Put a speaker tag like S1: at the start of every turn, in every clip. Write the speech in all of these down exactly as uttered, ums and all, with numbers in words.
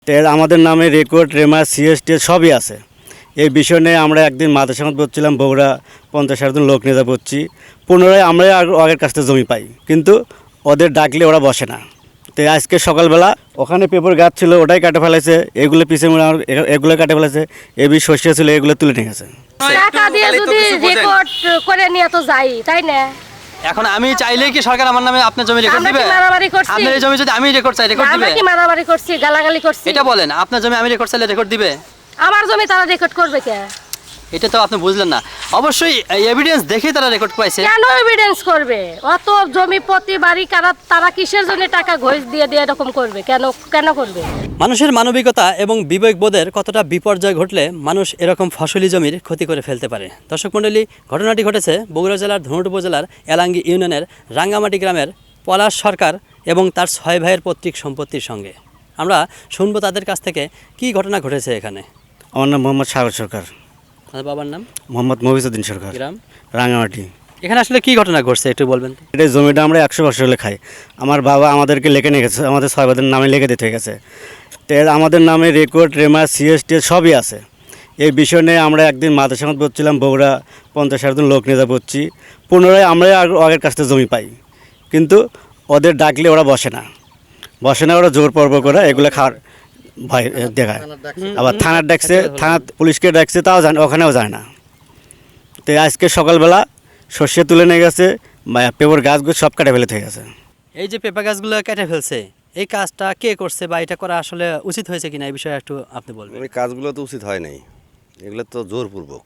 S1: তেল আমাদের নামে রেকর্ড রেমা সিএসটি সবই আছে। এই বিষয় নিয়ে আমরা একদিন মাদ্রাসা মত বলছিলাম বগুড়া পঞ্চাশ ষাট জন লোক নিয়ে যা বলছি, পুনরায় আমরাই আগের কাছ থেকে জমি পাই, কিন্তু ওদের ডাকলে ওরা বসে না। তো আজকে সকালবেলা ওখানে পেপার গাছ ছিল, ওটাই কাটে ফেলেছে, এগুলো পিছিয়ে এগুলো কাটে ফেলেছে, এবি শস্য ছিল এগুলো তুলে নিয়ে গেছে।
S2: টাকা দিয়ে যদি রেকর্ড করে নিয়ে তো যাই, তাই না?
S3: এখন আমি চাইলে কি সরকার আমার নামে আপনার জমি রেকর্ড দিবে? আপনার এই জমি যদি আমি রেকর্ড চাই রেকর্ড দিবে?
S2: আমরা কি মারামারি করছি, গালাগালি করছি?
S3: এটা বলেন, আপনার জমি আমি রেকর্ড চাইলে রেকর্ড দিবে?
S2: আমার জমি তারা রেকর্ড করবে কে?
S3: এটা তো আপনি বুঝলেন না। অবশ্যই এভিডেন্স দেখেই তারা রেকর্ড পাইছে।
S2: কেন এভিডেন্স করবে? অত জমি প্রতি বাড়ি কারা তারা কিসের জন্য টাকা ঘোষ দিয়ে দিয়ে এরকম করবে? কেন কেন করবে?
S3: মানুষের মানবিকতা এবং বিবেকবোধের কতটা বিপর্যয় ঘটলে মানুষ এরকম ফসলি জমির ক্ষতি করে ফেলতে পারে। দর্শক মণ্ডলী, ঘটনাটি ঘটেছে বগুড়া জেলার ধুনট উপজেলার এলাঙ্গি ইউনিয়নের রাঙ্গামাটি গ্রামের পলাশ সরকার এবং তার ছয় ভাইয়ের পৈতৃক সম্পত্তির সঙ্গে। আমরা শুনবো তাদের কাছ থেকে কি ঘটনা ঘটেছে এখানে।
S1: আমার নাম মোহাম্মদ সাগর সরকার।
S3: আর বাবার নাম?
S1: মোহাম্মদ মহিউদ্দিন সরকার,
S3: গ্রাম
S1: রাঙ্গামাটি।
S3: এখানে আসলে কি ঘটনা ঘটছে একটু বলবেন তো?
S1: এটা জমিটা আমরা একশো বছর হলে খাই। আমার বাবা আমাদেরকে লিখে নিয়ে গেছে, আমাদের ছয় ভাইদের নামে লিখে দিতে হয়ে গেছে। তেল আমাদের নামে রেকর্ড রেমা সিএসটি সবই আছে। এই বিষয় নিয়ে আমরা একদিন মাদ্রাসা মত বলছিলাম বগুড়া পঞ্চাশ ষাট জন লোক নিয়ে যা বলছি, পুনরায় আমরাই আগের কাছ থেকে জমি পাই, কিন্তু ওদের ডাকলে ওরা বসে না বসে না ওরা জোর পর্ব করে এগুলো খাওয়ার ভয় দেখায়। আবার থানার ডাকছে, থানা পুলিশকে ডাকছে, তাও জানে, ওখানেও যায় না। তো আজকে সকালবেলা শস্য তুলে নিয়ে গেছে, পেপার গাছগুলো সব কাটে ফেলে থেকে গেছে।
S3: এই যে পেঁপা গাছগুলো কেটে ফেলছে, এই কাজটা কে করছে বা এটা করা আসলে উচিত হয়েছে কিনা এই বিষয়ে একটু আপনি বলবেন।
S4: এই কাজগুলো তো উচিত হয় নাই, এগুলো তো জোরপূর্বক।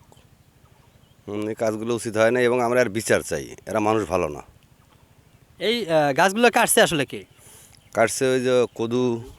S4: এই কাজগুলো উচিত হয় না এবং আমরা আর বিচার চাই। এরা মানুষ ভালো না।
S3: এই গাছগুলো কাটছে আসলে কে
S4: কাটছে? ওই যে কদু,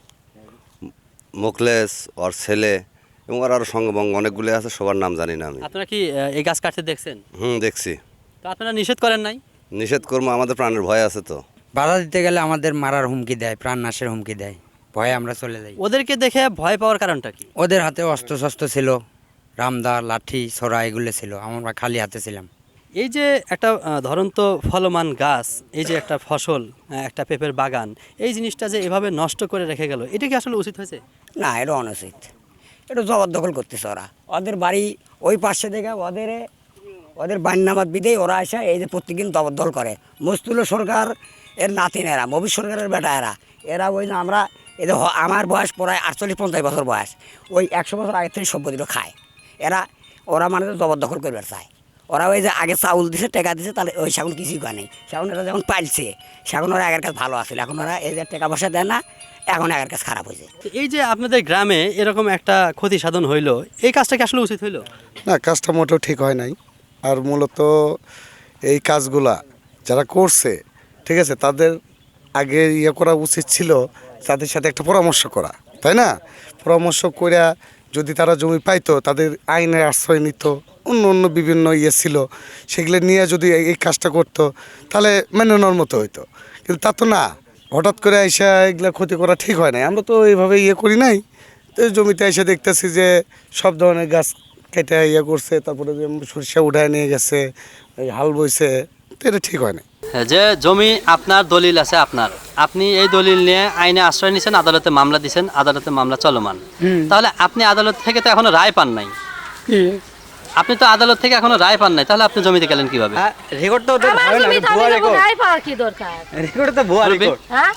S4: মোকলেস, ওর ছেলে এবং ওর আরও সঙ্গবঙ্গ অনেকগুলো আছে, সবার নাম জানি না আমি।
S3: আপনারা কি এই গাছ কাটতে দেখছেন?
S4: হুম, দেখছি।
S3: তো আপনারা নিষেধ করেন নাই?
S4: নিষেধ করবো, আমাদের প্রাণের ভয় আছে তো।
S5: বাধা দিতে গেলে আমাদের মারার হুমকি দেয়, প্রাণ নাশের হুমকি দেয়, ভয়ে আমরা চলে যাই।
S3: ওদেরকে দেখে ভয় পাওয়ার কারণটা কি?
S5: ওদের হাতে অস্ত্র শস্ত্র ছিল, রামদা, লাঠি, ছোরা এগুলো ছিল, আমরা খালি হাতে ছিলাম।
S3: এই যে একটা ধরন্ত ফলমান গাছ, এই যে একটা ফসল, একটা পেঁপের বাগান, এই জিনিসটা যে এভাবে নষ্ট করে রেখে গেল, এটা কি আসলে উচিত হয়েছে?
S5: না, এটা অনুচিত। এটা জবরদখল করতেছে ওরা। ওদের বাড়ি ওই পাশে দেখে ওদের ওদের বান্নাবাদ বিদেই ওরা আসে এই যে প্রত্যেকদিন জবরদখল করে। মস্তুল সরকার এর নাতিন এরা, মবির সরকারের বেটা এরা এরা ওই যে আমরা এদের আমার বয়স প্রায় আটচল্লিশ পঞ্চাশ বছর বয়স, ওই একশো বছর আগের থেকে সম্পত্তিটা খায় এরা। ওরা মানে জবরদখল করবার চায়। ওরা ওই যে আগে চাউল দিছে, টেকা দিছে, তাহলে ওই সেগুন কিছুই করে নেই। সেগুন এরা যখন পাইছে, সেগুন ওরা আগের কাছে ভালো আসলে, এখন ওরা এই যে টাকা পয়সা দেয় না, এখন আগের কাছে খারাপ হয়েছে।
S3: এই যে আপনাদের গ্রামে এরকম একটা ক্ষতি সাধন হইলো, এই কাজটা কি আসলে উচিত হইলো?
S6: না, কাজটা মোটেও ঠিক হয় নাই। আর মূলত এই কাজগুলা যারা করছে, ঠিক আছে, তাদের আগে ইয়ে করা উচিত ছিল, তাদের সাথে একটা পরামর্শ করা, তাই না? পরামর্শ করে যদি তারা জমি পাইতো, তাদের আইনের আশ্রয় নিত, অন্য অন্য বিভিন্ন ইয়ে ছিল, সেগুলো নিয়ে যদি এই কাজটা করতো, তাহলে মেনে নেওয়ার মতো হইতো। কিন্তু তা তো না, হঠাৎ করে এসে এগুলো ক্ষতি করা ঠিক হয় নাই। আমরা তো এইভাবে ইয়ে করি নাই। তো জমিতে এসে দেখতেছি যে সব ধরনের গাছ কেটে ইয়ে করছে, তারপরে সরিষা উঠায় নিয়ে গেছে, এই হাল বইছে, তো এটা ঠিক হয় না।
S3: যে জমি আপনার দলিল আছে আপনার, আপনি এই দলিল নিয়ে আইনে আশ্রয় নিয়েছেন, আদালতে মামলা দিয়েছেন, আদালতে মামলা চলমান, তাহলে আপনি আদালত থেকে তো এখনো রায় পান নাই। আপনি তো আদালত থেকে এখনো রায় পান নাই, তাহলে আপনি জমিতে গেলেন কিভাবে?
S5: রেকর্ড তো
S2: আমার জমিতে আমি যখন রায় পাওয়ার কি দরকার?
S5: রেকর্ড তো ভুয়া রেকর্ড।
S2: হ্যাঁ,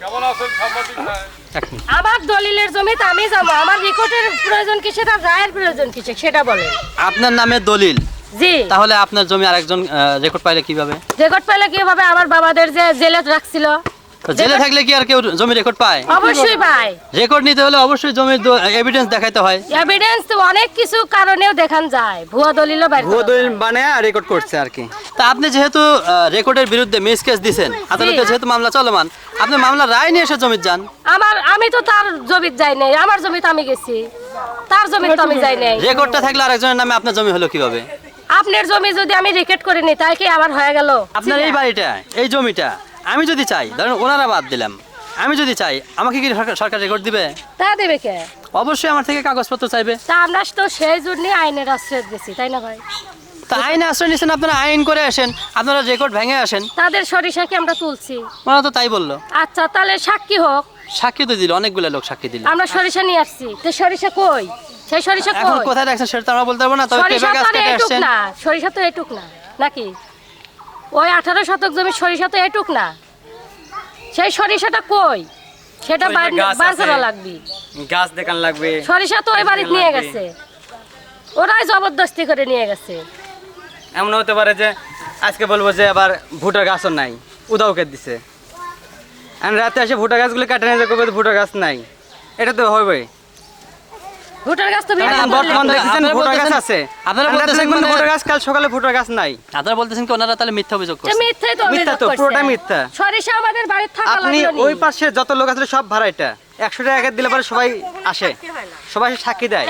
S2: আমার দলিলের জমিতে আমি যাবো, আমার রেকর্ডের প্রয়োজন কি, সেটা রায়ের প্রয়োজন কি সেটা বলেন।
S3: আপনার নামে দলিল,
S2: জি,
S3: তাহলে আপনার জমি আরেকজন রেকর্ড পাইলে কিভাবে?
S2: রেকর্ড পেলে কিভাবে? আমার বাবাদের যে জেলে রাখছিল,
S3: জেলে থাকলে কি আর কেউ জমি রেকর্ড পায়?
S2: অবশ্যই পায়।
S3: রেকর্ড নিতে হলে অবশ্যই জমির এভিডেন্স দেখাইতে হয়।
S2: এভিডেন্স তো অনেক কিছু কারণেও দেখান যায়, ভুয়া দলিলও বাইরে
S3: ভুয়া দলিল বানায় রেকর্ড করছে আর কি। তা আপনি যেহেতু রেকর্ডের বিরুদ্ধে মিস কেস দিবেন, আদালতে যেহেতু মামলা চলমান, আপনি মামলা রায় নিয়ে এসে জমিতে যান।
S2: আমার আমি তো তার জমিতে যাই নাই, আমার জমিতে আমি গেছি, তার জমিতে তো আমি যাই নাই।
S3: রেকর্ডটা থাকলে আরেকজনের নামে আপনার জমি হলো কিভাবে?
S2: আপনার জমি যদি আমি রেকর্ড করে নিই, তাই কি আবার হয়ে গেল?
S3: আপনার এই বাড়িটা, এই জমিটা আমি যদি চাই, ধরেন ওনারা বাদ দিলাম, আমি যদি চাই, আমাকে কি সরকার রেকর্ড দিবে?
S2: তা দেবে কে?
S3: অবশ্যই আমার থেকে কাগজপত্র চাইবে।
S2: তা আমরা তো সেই জন্যই আইনের আশ্রয় দিয়েছি, তাই না ভাই?
S3: তা আইনে আশ্রয় নিচ্ছেন, আপনারা আইন করে আসেন, আপনারা রেকর্ড ভেঙে আসেন।
S2: তাদের সরিষা কি আমরা তুলছি?
S3: ওরা তো তাই বললো।
S2: আচ্ছা, তাহলে সাক্ষী হোক,
S3: সাক্ষী তো দিল, অনেকগুলো লোক সাক্ষী দিল।
S2: আমরা সরিষা নিয়ে আসছি, তো সরিষা কই? সেই সরিষা
S3: এখন
S2: কই?
S3: কোথায় রাখছেন সেটা তো আমরা বলতে পারবো না, তবে
S2: সরিষা
S3: পেঁপে গাছ
S2: তো আর
S3: কেটে
S2: এইটুক
S3: আসছেন।
S2: না, সরিষা তো এইটুক না নাকি? ওই আঠারো শতক জমি সরিষা তো এইটুক না, সেই সরিষাটা কই? সেটা বার বার করা লাগবে।
S7: গাছ দেখান লাগবে।
S2: সরিষা তো ওই বাড়িতে নিয়ে গেছে, ওরাই জবরদস্তি করে নিয়ে গেছে।
S7: এমন হতে পারে যে আজকে বলবো যে আবার ভুটার গাছও নাই, উদাও কেটে দিছে। আর রাতে এসে ভুটা গাছগুলো কাটে নিয়ে যাবে, ভুটা গাছ নাই, এটা তো হবে।
S2: ভুটার গাছ তো
S7: এখন
S2: ভিড়ে
S7: বর্তমান দেখতেছেন
S3: আপনারা
S7: ভুটা গাছ
S3: বলতেছেন-
S7: আছে,
S3: আপনারা
S7: আর রাতে
S3: বলতেছেন
S7: দেখবেন
S3: মানে-
S7: ভুটা গাছ, কাল সকালে ভুটা গাছ নাই।
S3: আপনারা বলতেছেন কি ওনারা তাহলে মিথ্যা অভিযোগ করছে?
S2: মিথ্যাই তো
S7: মিথ্যা
S2: অভিযোগ
S7: তো,
S2: করছে।
S7: পুরোটা মিথ্যা।
S2: সরিষা আমাদের বাড়িতে থাকা
S7: আপনি
S2: লাগলো
S7: ওই
S2: নি।
S7: পাশে যত লোক আছে সব ভাড়া, এটা একশো টাকা দিলে পরে সবাই আসে, সবাই সাক্ষী দেয়।